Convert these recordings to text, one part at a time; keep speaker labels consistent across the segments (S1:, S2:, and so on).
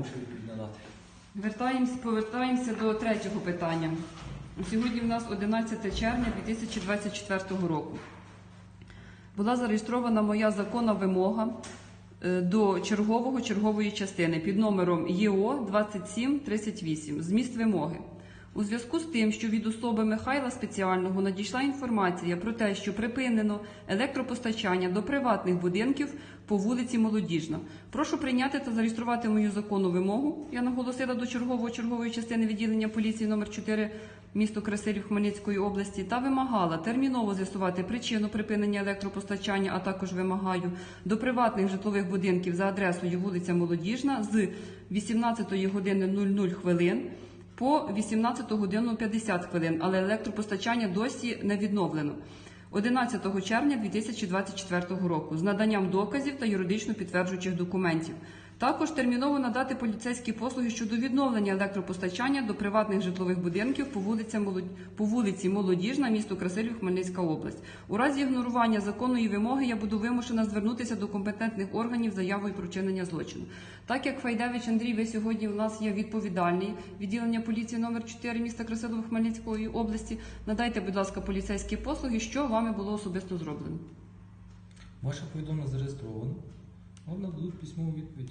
S1: вам ще відповідь надати.
S2: Повертаємося до третього питання. Сьогодні в нас 11 червня 2024 року. Була зареєстрована моя законна вимога до чергової частини під номером ЄО 2738. Зміст вимоги. У зв'язку з тим, що від особи Михайла Спеціального надійшла інформація про те, що припинено електропостачання до приватних будинків по вулиці Молодіжна. Прошу прийняти та зареєструвати мою законну вимогу. Я наголосила до чергової частини відділення поліції номер 4 місто Красилів Хмельницької області та вимагала терміново з'ясувати причину припинення електропостачання, а також вимагаю до приватних житлових будинків за адресою вулиця Молодіжна з 18 години 00 хвилин по 18 годину 50 хвилин, але електропостачання досі не відновлено. 11 червня 2024 року з наданням доказів та юридично підтверджуючих документів. Також терміново надати поліцейські послуги щодо відновлення електропостачання до приватних житлових будинків по вулиці Молодіжна, місто Красилів, Хмельницька область. У разі ігнорування законної вимоги я буду вимушена звернутися до компетентних органів з заявою про вчинення злочину. Так як Файдевич Андрій, ви сьогодні у нас є відповідальний відділення поліції номер 4 міста Красилів, Хмельницької області, надайте, будь ласка, поліцейські послуги, що вами було особисто зроблено.
S1: Ваше повідомлення зареєстровано. Вам нададуть письмову відповідь.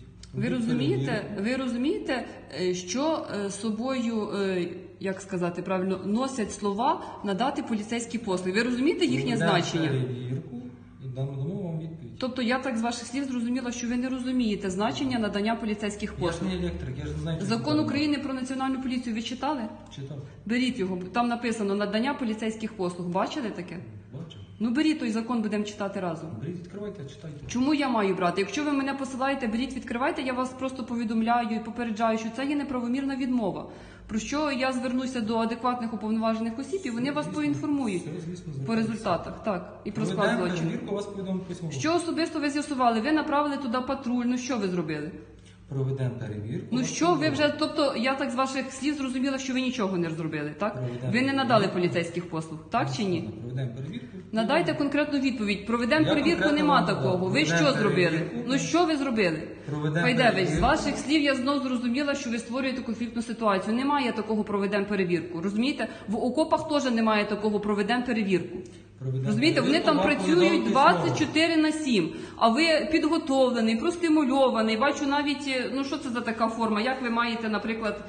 S2: Ви розумієте, що собою, як сказати правильно, носять слова надати поліцейські послуги? Ви розумієте їхнє значення?
S1: Перевірку і дамо вам відповідь.
S2: Тобто я так з ваших слів зрозуміла, що ви не розумієте значення надання поліцейських послуг.
S1: Я ж не електрик, я ж не знаю, що
S2: Закон України про національну поліцію ви читали?
S1: читав.
S2: Беріть його, там написано надання поліцейських послуг. Бачили таке?
S1: Бачив.
S2: Ну беріть той закон, будемо читати разом.
S1: Беріть, відкривайте, читайте.
S2: Чому я маю брати? Якщо ви мене посилаєте, беріть, відкривайте, я вас просто повідомляю і попереджаю, що це є неправомірна відмова. Про що я звернуся до адекватних уповноважених осіб, і вони вас поінформують по результатах. Так, і про склад злочину.
S1: Перевірку, вас повідомить письмово.
S2: Що особисто ви з'ясували? Ви направили туди патруль, ну що ви зробили?
S1: Проведемо перевірку.
S2: Ну що ви вже, тобто я так з ваших слів зрозуміла, що ви нічого не зробили, так? Ви не надали поліцейських послуг, так чи ні?
S1: Проведемо перевірку.
S2: Надайте конкретну відповідь. Проведемо
S1: Я
S2: перевірку,
S1: конкретно
S2: нема
S1: вам
S2: такого. Ви
S1: проведемо
S2: що зробили?
S1: перевірку.
S2: Ну що ви зробили?
S1: Проведемо
S2: Файдевич, з
S1: перевірку.
S2: ваших слів я знов зрозуміла, що ви створюєте конфліктну ситуацію. Немає такого проведемо перевірку. Розумієте? В окопах теж немає такого проведемо перевірку. Розумієте, вони там працюють 24/7, а ви підготовлений, простимульований. Бачу навіть, ну що це за така форма, як ви маєте, наприклад,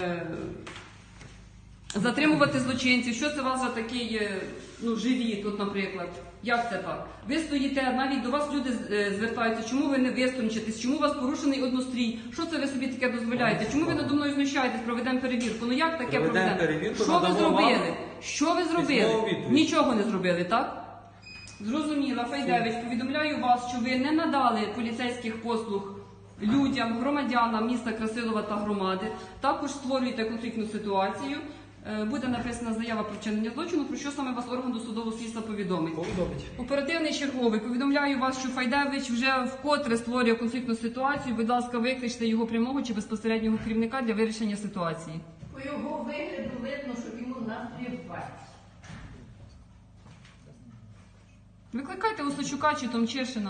S2: затримувати злочинців, що це у вас за такий, ну, живі тут, наприклад. Як це так? Ви стоїте, навіть до вас люди звертаються, чому ви не виструнчитесь, чому у вас порушений однострій, що це ви собі таке дозволяєте, чому ви надо мною знущаєтесь, проведемо перевірку, ну як таке проведемо? Що ви зробили? Що ви зробили? Нічого не зробили, так? Зрозуміла, Файдевич, повідомляю вас, що ви не надали поліцейських послуг людям, громадянам міста Красилова та громади, також створюєте конфліктну ситуацію. Буде написана заява про вчинення злочину, про що саме вас орган досудового слідства повідомить. Оперативний черговий, повідомляю вас, що Файдевич вже вкотре створює конфліктну ситуацію. Будь ласка, викличте його прямого чи безпосереднього керівника для вирішення ситуації.
S3: По його вигляду видно, що йому настрій впасть.
S2: Викликайте Осочука чи Томчишина.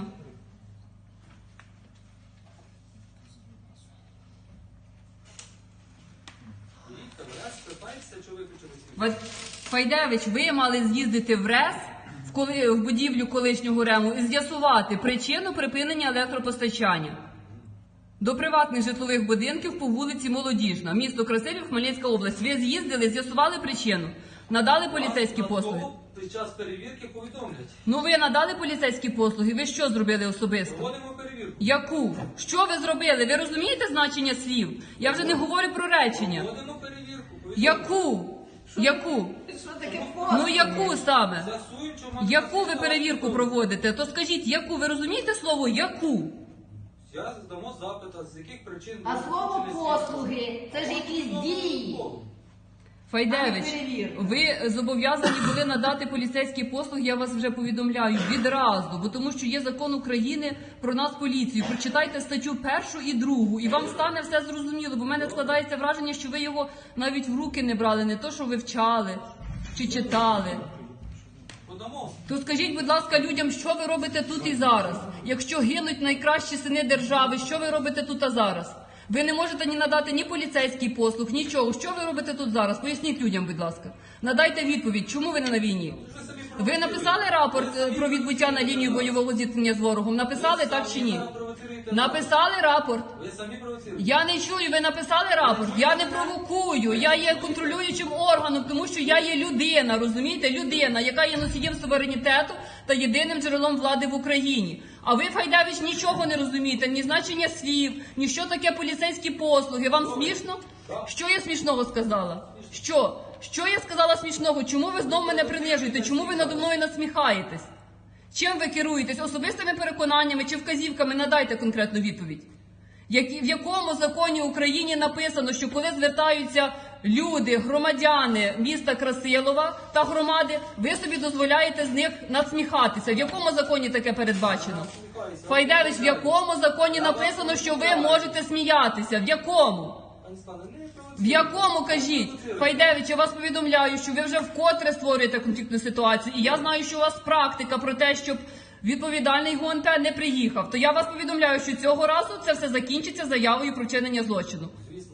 S2: Файдевич, ви мали з'їздити в РЕС, в будівлю колишнього РЕМу, і з'ясувати причину припинення електропостачання до приватних житлових будинків по вулиці Молодіжна, місто Красилів, Хмельницька область. Ви з'їздили, з'ясували причину, надали поліцейські послуги.
S4: Під час перевірки повідомлять.
S2: Ну ви надали поліцейські послуги, ви що зробили особисто?
S4: Проводимо перевірку.
S2: Яку? Що ви зробили? Ви розумієте значення слів? Я вже не говорю про речення.
S4: Проводимо перевірку.
S2: Яку? Яку?
S3: Що таке
S2: Ну яку саме?
S4: З'ясуємо, що мати
S2: Яку ви
S4: ситуацію.
S2: перевірку проводите? То скажіть, яку? Ви розумієте слово яку?
S4: Я здамо запит, з яких причин...
S3: А слово
S4: вчинили
S3: послуги це ж якісь дії.
S2: Файдевич, ви зобов'язані були надати поліцейські послуги, я вас вже повідомляю, відразу, бо тому що є закон України про нас поліцію. Прочитайте статтю 1 і 2, і вам стане все зрозуміло, бо в мене складається враження, що ви його навіть в руки не брали, не то, що вивчали чи читали.
S4: Подамо.
S2: То скажіть, будь ласка, людям, що ви робите тут і зараз? Якщо гинуть найкращі сини держави, що ви робите тут і зараз? Ви не можете ні надати ні поліцейський послуг, нічого. Що ви робите тут зараз? Поясніть людям, будь ласка. Надайте відповідь, чому ви не на війні?
S4: Ви самі
S2: Ви
S4: провоцируєте.
S2: написали рапорт про відбуття на лінію бойового зіткнення з ворогом? Написали так чи ні?
S4: Ви самі провоцируєте.
S2: Написали рапорт.
S4: Ви самі провоцируєте.
S2: Я не чую, ви написали рапорт. Я не провокую. Я є контролюючим органом, тому що я є людина, розумієте? Людина, яка є носієм суверенітету та єдиним джерелом влади в Україні. А ви, Файдевич, нічого не розумієте, ні значення слів, ні що таке поліцейські послуги. Вам смішно? Що я смішного сказала? Що? Що я сказала смішного? Чому ви знов мене принижуєте? Чому ви надо мною насміхаєтесь? Чим ви керуєтесь? Особистими переконаннями чи вказівками? Надайте конкретну відповідь. В якому законі України написано, що коли звертаються люди, громадяни міста Красилова та громади, ви собі дозволяєте з них насміхатися? В якому законі таке передбачено? Файдевич, в якому законі написано, що ви можете сміятися? В якому?
S4: Пані Світлана, не провоцируйте.
S2: В якому, кажіть? Файдевич, я вас повідомляю, що ви вже вкотре створюєте конфліктну ситуацію. І я знаю, що у вас практика про те, щоб відповідальний ГУНП не приїхав. То я вас повідомляю, що цього разу це все закінчиться заявою про вчинення злочину.
S4: Звісно.